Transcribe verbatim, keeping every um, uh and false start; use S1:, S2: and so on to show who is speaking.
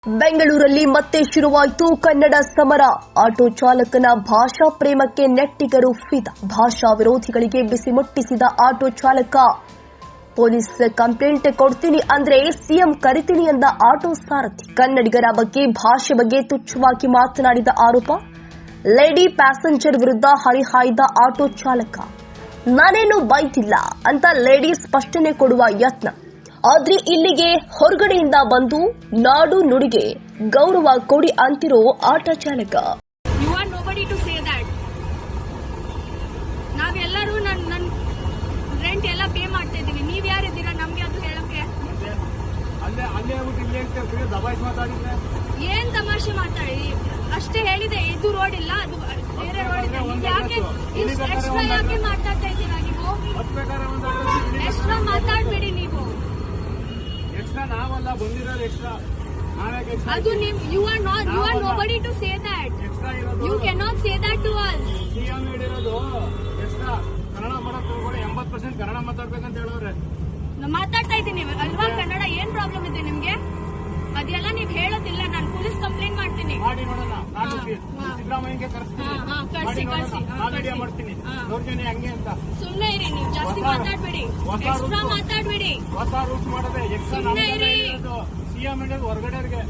S1: ಬೆಂಗಳೂರಲ್ಲಿ ಮತ್ತೆ ಶುರುವಾಯಿತು ಕನ್ನಡ ಸಮರ. ಆಟೋ ಚಾಲಕನ ಭಾಷಾ ಪ್ರೇಮಕ್ಕೆ ನೆಟ್ಟಿಗರು ಫಿದಾ. ಭಾಷಾ ವಿರೋಧಿಗಳಿಗೆ ಬಿಸಿ ಮುಟ್ಟಿಸಿದ ಆಟೋ ಚಾಲಕ. ಪೊಲೀಸ್ ಕಂಪ್ಲೇಂಟ್ ಕೊಡ್ತೀನಿ ಅಂದ್ರೆ ಸಿಎಂ ಕರಿತೀನಿ ಎಂದ ಆಟೋ ಸಾರಥಿ. ಕನ್ನಡಿಗರ ಬಗ್ಗೆ ಭಾಷೆ ಬಗ್ಗೆ ತುಚ್ಛವಾಗಿ ಮಾತನಾಡಿದ ಆರೋಪ. ಲೇಡಿ ಪ್ಯಾಸೆಂಜರ್ ವಿರುದ್ಧ ಹರಿಹಾಯ್ದ ಆಟೋ ಚಾಲಕ. ನಾನೇನು ಬೈತಿಲ್ಲ ಅಂತ ಲೇಡಿ ಸ್ಪಷ್ಟನೆ ಕೊಡುವ ಯತ್ನ. ಆದ್ರೆ ಇಲ್ಲಿಗೆ ಹೊರಗಡೆಯಿಂದ ಬಂದು ನಾಡು ನುಡಿಗೆ ಗೌರವ ಕೊಡಿ ಅಂತಿರೋ ಆಟೋ ಚಾಲಕ.
S2: You are nobody to say that. ನಾವೆಲ್ಲರೂ ನನ್ ನನ್ ರೆಂಟ್ ಎಲ್ಲ ಪೇ ಮಾಡ್ತಾ ಇದೀವಿ. ನೀವ್ ಯಾರಿದ್ದೀರಾ ನಮ್ಗೆ ಅದು ಹೇಳಕ್ಕೆ? ಏನ್ ತಮಾಷೆ ಮಾತಾಡಿ? ಅಷ್ಟೇ ಹೇಳಿದೆ, ಇದು ರೋಡ್ ಇಲ್ಲ, ಅದು ಬೇರೆ ರೋಡ್ ಇದೆ. ನೀವ್ ಯಾಕೆ ಎಕ್ಸ್ಟ್ರಾ ಯಾಕೆ ಮಾತಾಡ್ತಾ ಇದ್ದೀರಾ ನೀವು? ಎಕ್ಸ್ಟ್ರಾ ಮಾತಾಡ್ಬೇಡಿ ನೀವು. ಅದು ನಿಮ್ you are not you are nobody to say that. You can not say that to us.
S3: Kannada ಮಾಡಕ್ ಹೋಗ್ಬೇಡಿ, ಎಂಬತ್ತು ಪರ್ಸೆಂಟ್ ಕನ್ನಡ ಮಾತಾಡ್ಬೇಕಂತ ಹೇಳೋರೆ.
S2: ಮಾತಾಡ್ತಾ ಇದ್ದೀನಿ ಅಲ್ವಾ? ಕನ್ನಡ ಏನ್ ಪ್ರಾಬ್ಲಮ್ ಇದೆ ನಿಮ್ಗೆ? ಅದೆಲ್ಲ ನೀವ್ ಹೇಳೋದಿಲ್ಲ. ನಾನು ಪೊಲೀಸ್ ಕಂಪ್ಲೇಂಟ್ ಮಾಡ್ತೀನಿ.
S3: ಮಾಡಿ ನೋಡೋಣ. ನಾನು ಸಿದ್ದರಾಮಯ್ಯಗೆ ಕರೆಸ್ತೀನಿ, ವಿಡಿಯೋ ಮಾಡ್ತೀನಿ, ದೌರ್ಜನ್ಯ ಹಂಗೆ ಅಂತ.
S2: ಸುಮ್ನೆ ಇರಿ, ನೀವು ಜಾಸ್ತಿ ಮಾತಾಡ್ಬೇಡಿ, ಎಕ್ಸ್ಟ್ರಾ ಮಾತಾಡ್ಬೇಡಿ.
S3: ಹೊಸ ರೂಲ್ಸ್ ಮಾಡದೆ ಎಕ್ಸ್ಟ್ರಾ
S2: ಸುಮ್ನೆ ಇರಿ.
S3: CM India ಹೊರಗಡೆಗೆ